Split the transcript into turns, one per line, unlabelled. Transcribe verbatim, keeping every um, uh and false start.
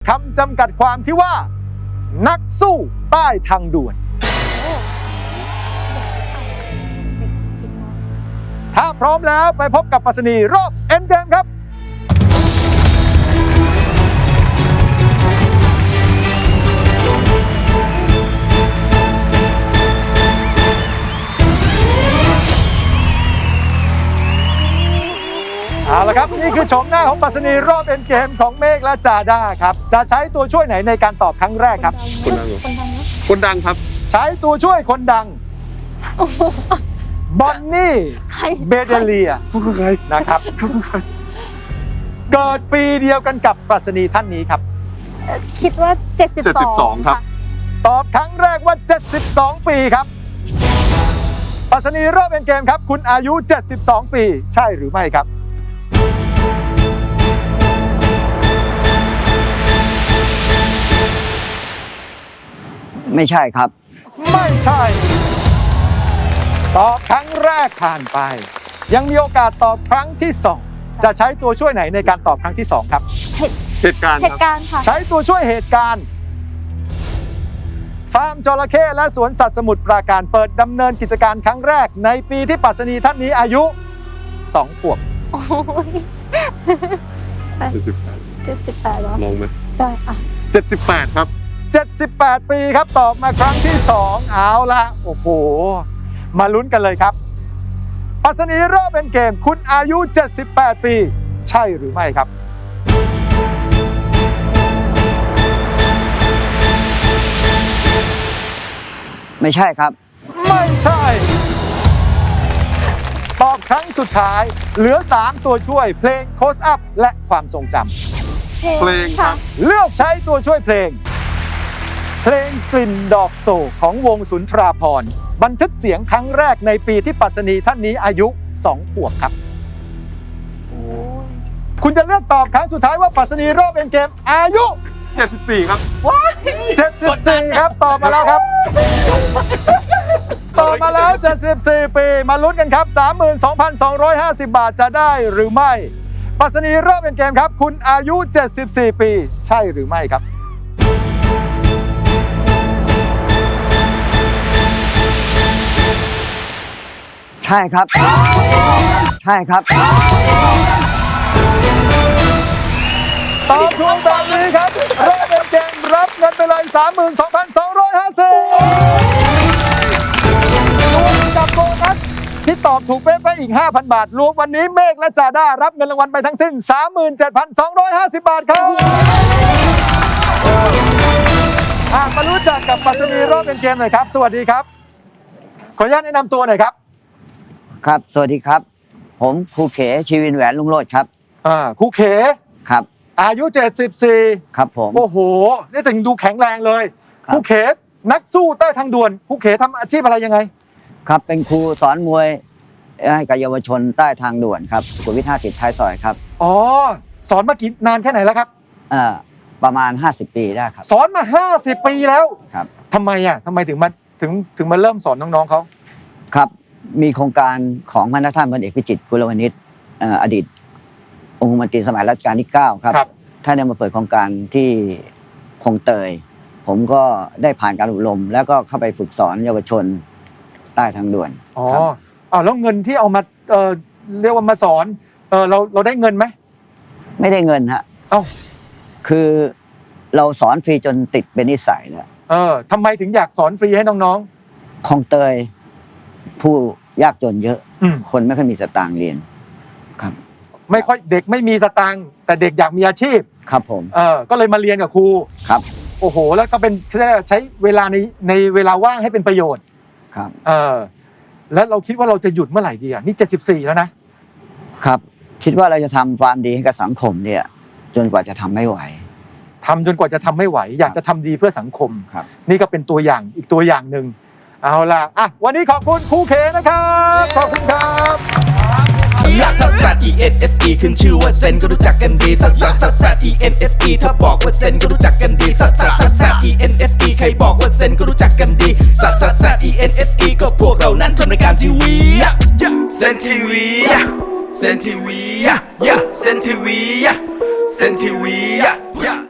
คำจำกัดความที่ว่านักสู้ใต้ทางด่วนถ้าพร้อมแล้วไปพบกับปรัชนีรอบเอ็นเกมครับเอาละครับนี่คือโฉมหน้าของปรัชนีรอบเอ็นเกมของเมฆและจาด้าครับจะใช้ตัวช่วยไหนในการตอบครั้งแรกครับ
คนดังคนดังครับ
ใช้ตัวช่วยคนดังบอนนี่เบเดเลียนะครับเกิดปีเดียวกันกับปรัชนีท่านนี้ครับ
คิดว่าเจ็ดสิบสอง
ครับ
ตอบครั้งแรกว่าเจ็ดสิบสองปีครับปรัชนีรอบเอ็นเกมครับคุณอายุเจ็ดสิบสองปีใช่หรือไม่ครับ
ไม่ใช่ครับ
ไม่ใช่ตอบครั้งแรกผ่านไปยังมีโอกาสตอบครั้งที่สองจะใช้ตัวช่วยไหนในการตอบครั้งที่สองครับ
เหตุการณ์
เหตุการณ์ค่ะ
ใช้ตัวช่วยเหตุการณ์ฟาร์มจระเข้และสวนสัตว์สมุทรปราการเปิดดำเนินกิจการครั้งแรกในปีที่ปรัชนีท่านนี้อายุสองขวบ
โอ้ย
เจ็ดสิบแปด
เจ็ดสิบแปดเหรอ
ลองไหม
ได้อ่ะ
เจ็ดสิบแปดครับ
เจ็ดสิบแปดปีครับตอบมาครั้งที่สองเอาละโอ้โหมาลุ้นกันเลยครับปรัชนีรอบเป็นเกมคุณอายุเจ็ดสิบแปดปีใช่หรือไม่ครับ
ไม่ใช่ครับ
ไม่ใช่ตอบครั้งสุดท้ายเหลือสามตัวช่วยเพลงโคสอัพและความทรงจ
ำเพลงครับ
เลือกใช้ตัวช่วยเพลงเพลงกลิ่นดอกโศกของวงสุนทราภรณ์บันทึกเสียงครั้งแรกในปีที่ปรัชนีท่านนี้อายุสองขวบครับคุณจะเลือกตอบครั้งสุดท้ายว่าปรัชนีรอบเอ็นเกมอายุ
เจ็ดสิบสี่ครับ
ว้าเจ็ดสิบสี่ครับตอบมาแล้วครับตอบมาแล้วเจ็ดสิบสี่ปีมาลุ้นกันครับ สามหมื่นสองพันสองร้อยห้าสิบ บาทจะได้หรือไม่ปรัชนีรอบเอ็นเกมครับคุณอายุเจ็ดสิบสี่ปีใช่หรือไม่ครับ
ใช่ครับใช่ครับ
ตอบถูกแบบนี้ครับรอบเป็นเกมรับเงินไปเลย สามหมื่นสองพันสองร้อยห้าสิบ รวมกับโบนัสที่ตอบถูกเป๊ะๆอีก ห้าพัน บาทรวมวันนี้เมฆและจาด้ารับเงินรางวัลไปทั้งสิ้น สามหมื่นเจ็ดพันสองร้อยห้าสิบ บาทครับมารู้จักกับปรัชนีรอบเป็นเกมหน่อยครับสวัสดีครับขออนุญาตแนะนำตัวหน่อยครับ
ครับสวัสดีครับผมครูเขชีวินแหวนลุงโรจน์ครับ
อ่าครูเข
ครับ
อายุเจ็ดสิบสี่
ครับผม
โอ้โหนี่ถึงดูแข็งแรงเลยครูเขนักสู้ใต้ทางด่วนครูเขทำอาชีพอะไรยังไง
ครับเป็นครูสอนมวยให้กับเยาวชนใต้ทางด่วนครับสุขุมวิทห้าสิบท้ายซอยครับ
อ๋อสอนมากี่นานแค่ไหนแล้วครับ
อ่าประมาณห้าสิบปีได้ครับ
สอนมาห้าสิบปีแล้ว
ครับ
ทำไมอ่ะทำไมถึงมาถึงถึงมาเริ่มสอนน้องๆเขา
ครับมีโครงการของพระท่านพลเอกพิจิตรกุลวณิชอดีตองคมนตรีสมัยรัชกาลที่เก้าครับท่านได้มาเปิดโครงการที่คลองเตยผมก็ได้ผ่านการอบรมแล้วก็เข้าไปฝึกสอนเยาวชนใต้ทางด่วน
อ๋ออ้าวแล้วเงินที่เอามาเอ่อเรียกว่ามาสอนเออเราเราได้เงินไหม
ไม่ได้เงินฮะ
เอ้า
คือเราสอนฟรีจนติดเป็นนิสัยแล้ว
เออทำไมถึงอยากสอนฟรีให้น้อง
ๆคลองเตยผู้ยากจนเยอะคนไม่ค่อยมีสตางค์เรียนครับ
ไม่ค่อยเด็กไม่มีสตางค์แต่เด็กอยากมีอาชีพ
ครับผม
เออก็เลยมาเรียนกับครู
ครับ
โอ้โหแล้วก็เป็นใช้เวลาในในเวลาว่างให้เป็นประโยชน์
ครับ
เออแล้วเราคิดว่าเราจะหยุดเมื่อไหร่ดีอ่ะนี่เจ็ดสิบสี่แล้ว
นะครับคิดว่าเราจะทำความดีให้กับสังคมเนี่ยจนกว่าจะทำไม่ไหว
ทำจนกว่าจะทำไม่ไหวอยากจะทำดีเพื่อสังคม
ครับ
นี่ก็เป็นตัวอย่างอีกตัวอย่างหนึ่งเอาล่ะอ่ะวันนี้ขอบคุณครูเขนะครับขอบคุณครับ
ลักซัสซัส E N S E ขึ้นชื่อว่าเซนก็รู้จักกันดีซัสซัสซัสซัส E N S E ถ้าบอกว่าเซนก็รู้จักกันดีซัสซัสซัสซัส E N S E ใครบอกว่าเซนก็รู้จักกันดีซัสซัสซัส E N S E ก็พวกเรานั้นทำรายการทีวีเซนทีวีเซนทีวีเซนทีวีเซนทีวี